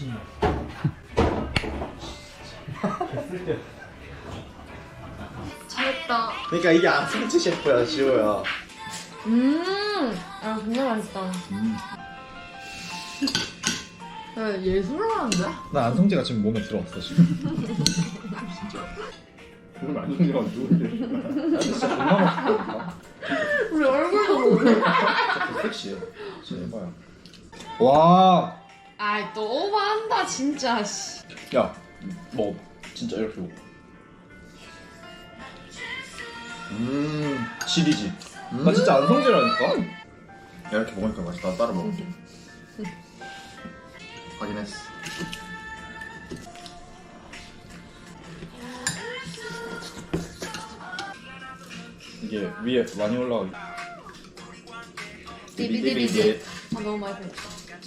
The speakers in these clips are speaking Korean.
미친년. 잘했다. 그러니까 이게 안승지 셰프야, 지호야. 아 정말 맛있다. 야, 예술을 하는데? 나 안성재가 지금 몸에 들어왔어 지금. 그럼 안성재가 누군데? 진짜 존나 맛있다니까. 우리 얼굴도 보고. 진짜 섹시해. 진짜 해봐요. 와. 아이 또 오버한다 진짜. 씨. 야, 먹어. 진짜 이렇게 먹어. 지리지. 나 진짜 안성재라니까. 야, 이렇게 먹으니까 맛있다. 나 따라 먹을게. 확인했어. 이게 위에 많이 올라가기. 디비디비디. 아 너무 맛있다.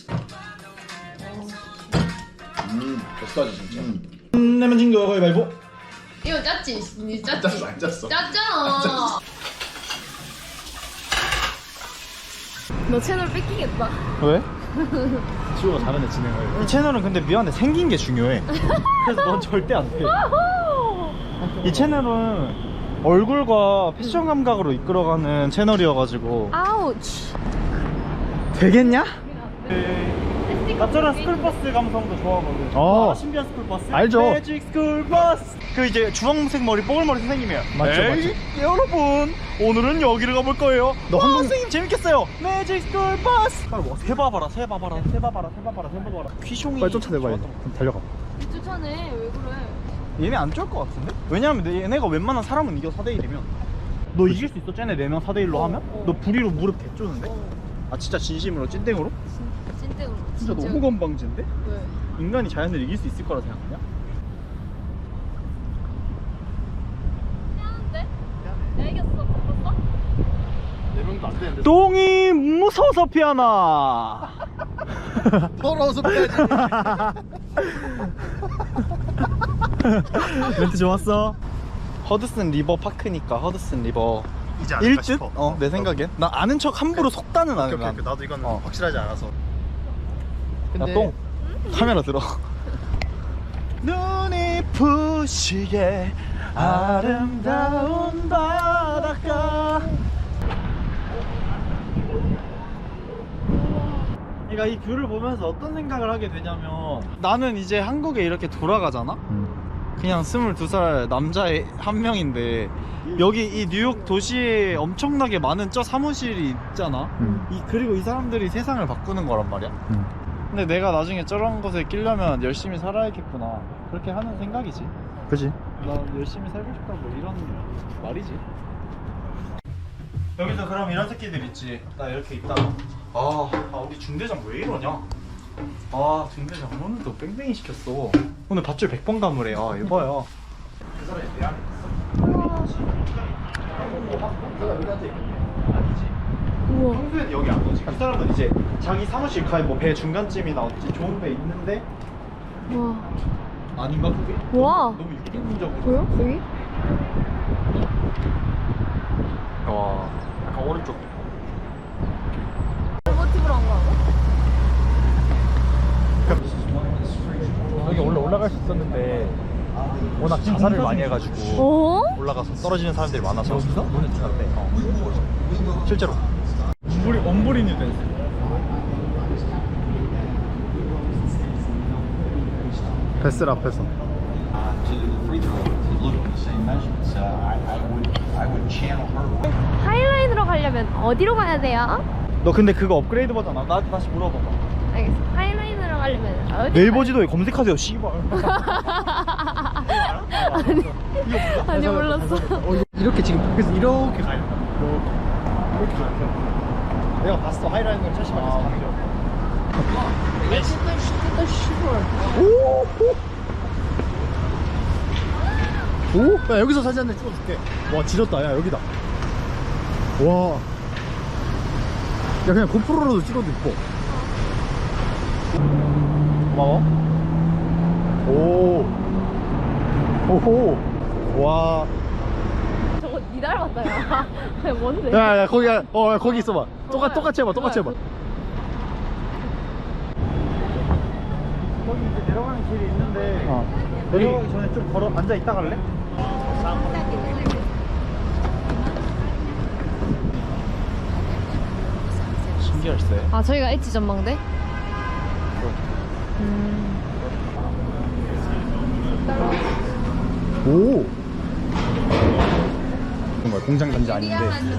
뱃살이 진짜. 내면 진거 가위바위보. 이거 짰지? 니 짰지? 안 짰어. 짰잖아. 너 채널 뺏기겠다. 왜? 지호가 잘하네 진행을. 이 채널은 근데 미안해 생긴 게 중요해. 그래서 넌 절대 안 돼. 이 채널은 얼굴과 패션 감각으로 이끌어가는 채널이어가지고 아우치. 되겠냐? 나처럼 스쿨버스 감성도 좋아하거든. 신비한 스쿨버스. 알죠. 매직 스쿨버스. 그 이제 주황색 머리 뽀글머리 선생님이에요. 맞죠, 에이, 여러분 오늘은 여기를 가볼 거예요. 너 한번- 선생님 재밌겠어요. 매직 스쿨버스. 뭐 세봐봐라 세봐봐라 세봐봐라 세봐봐라 세봐봐라. 퀴숑이 빨리 쫓아내봐 얘. 달려가. 쫓아내. 왜 그래? 얘네 안 쫄 것 같은데? 왜냐면 얘네가 웬만한 사람은 이겨 4대1이면 너 이길 수 있어? 쟤네 4명 4대1로 하면? 너 부리로 무릎 개쪼는데? 아 진짜 진심으로 찐땡으로? 찐땡으로. 진짜 너무 건방진데? 왜? 인간이 자연을 이길 수 있을 거라 생각하냐? 미안한데? 내가 이겼어. 바꿨어? 4명도 안 되는데. 똥이 무서워서 피하나. 더러워서 빼야지. 멘트 좋았어. 허드슨 리버 파크니까 허드슨 리버 이제 1듯? 내 생각엔 나 아는 척 함부로 속다는 안 해. 난. 나도 이건 어. 확실하지 않아서. 야, 똥 카메라 들어. 눈이 부시게 아름다운 바닷가. 그러니까 이 뷰를 보면서 어떤 생각을 하게 되냐면 나는 이제 한국에 이렇게 돌아가잖아? 그냥 22살 남자의 한 명인데 여기 이 뉴욕 도시에 엄청나게 많은 저 사무실이 있잖아. 그리고 이 사람들이 세상을 바꾸는 거란 말이야. 근데 내가 나중에 저런 곳에 끼려면 열심히 살아야겠구나 그렇게 하는 생각이지. 그지? 나 열심히 살고 싶다 뭐 이런 말이지. 여기서 그럼 이런 새끼들 있지. 나 이렇게 있다가 우리 중대장 왜 이러냐. 중대장 오늘도 뺑뺑이 시켰어. 오늘 밧줄 100번 감으래. 이봐요. 그 사람이 내 안에 우와. 평소엔 여기 안 오지. 그 사람은 이제 자기 사무실 가에 뭐 배 중간쯤이나 어찌 좋은 배 있는데 와. 아닌가 그게? 와. 너무 육인적으로. 보여? 여기? 와, 약간 오른쪽. 로버티브로 한 거야? 여기 원래 올라갈 수 있었는데 워낙 자살을 많이 해가지고 어? 올라가서 떨어지는 사람들이 많아서 여기서? 문을 닫았대. 실제로 엄브리뉴 댄스. 뱃슬 앞에서. 하이라인으로 가려면 어디로 가야 돼요? 너 근데 그거 업그레이드 버전 나한테 다시 물어봐봐. 알겠어. 하이라인으로 가려면 어디? 네이버 지도에 검색하세요 씨발. 아니 몰랐어. 이렇게 지금 그래서 이렇게 가야 된다. 이렇게 가야 돼. 내가 봤어 하이라인을 철심하게서 가는 거. 오? 야 여기서 사진 한 장 찍어줄게. 와 지렸다. 야 여기다. 와. 야 그냥 고프로로도 찍어도 이뻐. 고마워. 오. 오호. 와. 저거 니 닮았다 야. 아니, 뭔데? 야 거기 거기 있어봐. 똑같이 해봐. 똑같이 해봐. 여기 이제 내려가는 길이 있는데 여기 내려가기 전에 좀 걸어 앉아 있다 갈래? 신기할세. 아 저희가 엣지 전망대? 오 정말 공장 단지 아닌데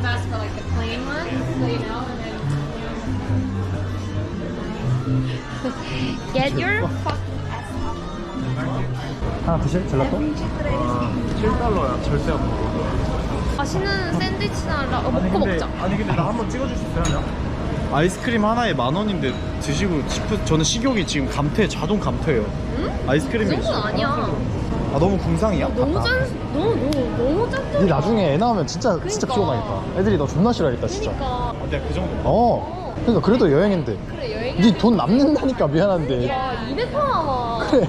Get your 하나 드실? 젤라또? 7달러야. 절대 안 먹어. 맛있는 샌드위치나 먹고 먹자. 아니 근데 나 한번 찍어줄 수 있어요? 아이스크림 하나에 10,000원인데 드시고 저는 식욕이 지금 감퇴, 자동 감퇴예요. 응? 아이스크림이 그 정도는 아니야. 아 너무 궁상이야? 너무 너무 짠. 니 나중에 애 낳으면 진짜 그러니까. 피곤하겠다. 애들이 너 존나 싫어하겠다 진짜. 그러니까 내가 그 정도. 그러니까 그래도 여행인데. 그래 여행. 니 돈 남는다니까 미안한데. 야 200원 남아. 그래.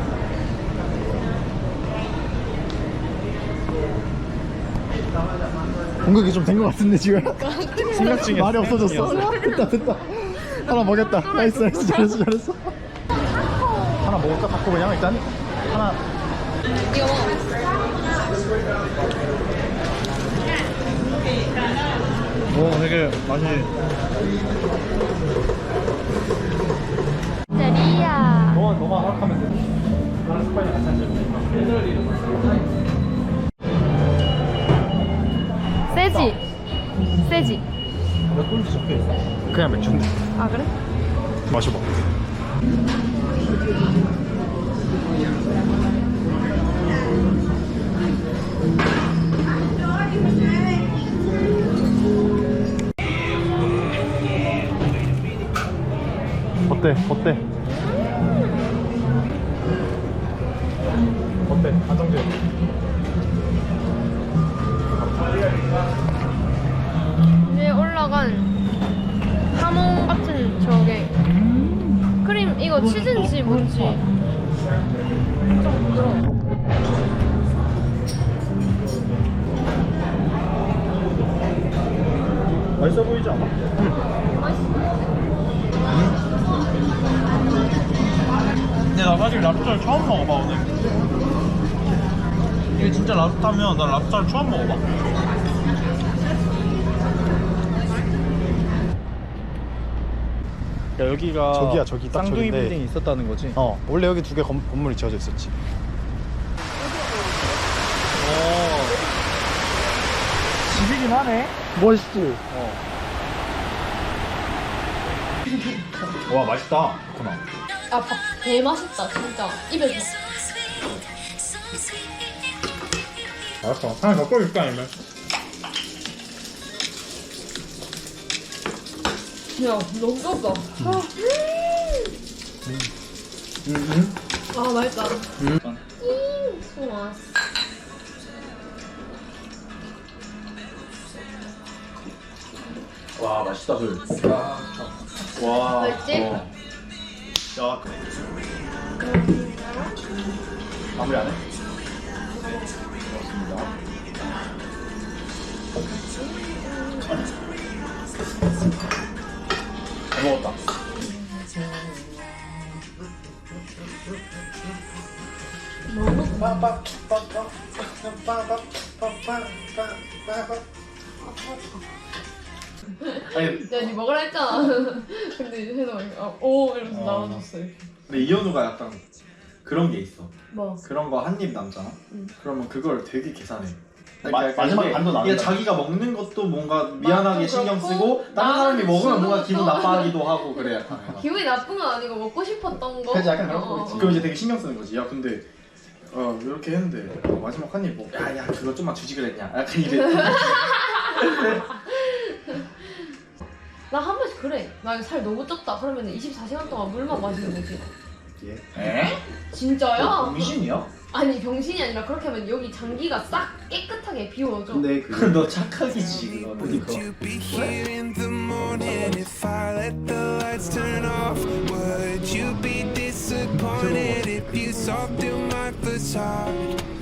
공격이 좀 된 것 같은데 지금. 생각 중이었어. 말이 없어졌어. 됐다. 하나 먹였다. 나이스 잘했어. 하나 먹을까? 갖고 그냥 일단 하나. 이거 먹어. 오 되게 맛이. 짜리야. 너가 허락하면 돼. 나는 스파이더 같이 세지. 몇 돈지 적혀있어? 그냥 맥주인데. 아 그래? 마셔봐. 어때? 안정돼. 위에 올라간 하몽 같은 저게 크림 이거 치즈인지 뭔지 좀 부드러워. 맛있어 보이지 않아? 근데 나 사실 랍스타를 처음 먹어봐 오늘. 이게 진짜 랍스타면 난 랍스타를 처음 먹어봐. 야, 여기가 저기야, 저기 딱 쌍둥이 저긴데. 빌딩이 있었다는 거지? 원래 여기 두 개 건물이 지어져 있었지. 집이긴 하네. 멋있지. 와 맛있다. 그렇구나. 아밥 개 맛있다 진짜 입에 넣어. 알았어. 하나 더 꺼줄까 아니면? 야 너무 좁다. 아 맛있다. 좋아. 와 맛있다 술. 와. 맛있지? 야. 마무리 안 해? 고맙습니다. 잘 먹었다. 아니, 야니 먹으라 했잖아. 근데 해서 오 이러면서 나와줬어 이렇게. 근데 이현우가 약간 그런 게 있어. 뭐? 그런 거 한 입 남잖아. 그러면 그걸 되게 계산해. 마지막 반도 나눈다. 이게 자기가 먹는 것도 뭔가 미안하게 맛도 신경 그렇고, 쓰고 다른 사람이 나는 먹으면 뭔가 지금부터- 기분 나빠하기도 하고 그래. 약간. 기분이 나쁜 건 아니고 먹고 싶었던 거. 그치, 약간 그런 거 있지. 그럼 이제 되게 신경 쓰는 거지. 야 근데 이렇게 했는데 마지막 한 입 뭐 야 그거 좀만 주지 그랬냐. 약간 이래. 나 한 번씩 그래. 나 이거 살 너무 쪘다. 그러면 24시간 동안 물만 마시는 거지. 에? 진짜야? 병신이야? 아니 병신이 아니라 그렇게 하면 여기 장기가 싹 깨끗하게 비워져. 근데 너 착각이지 그거. Would you be here in the morning if I let the lights turn off? Would you be disappointed if you saw through my facade?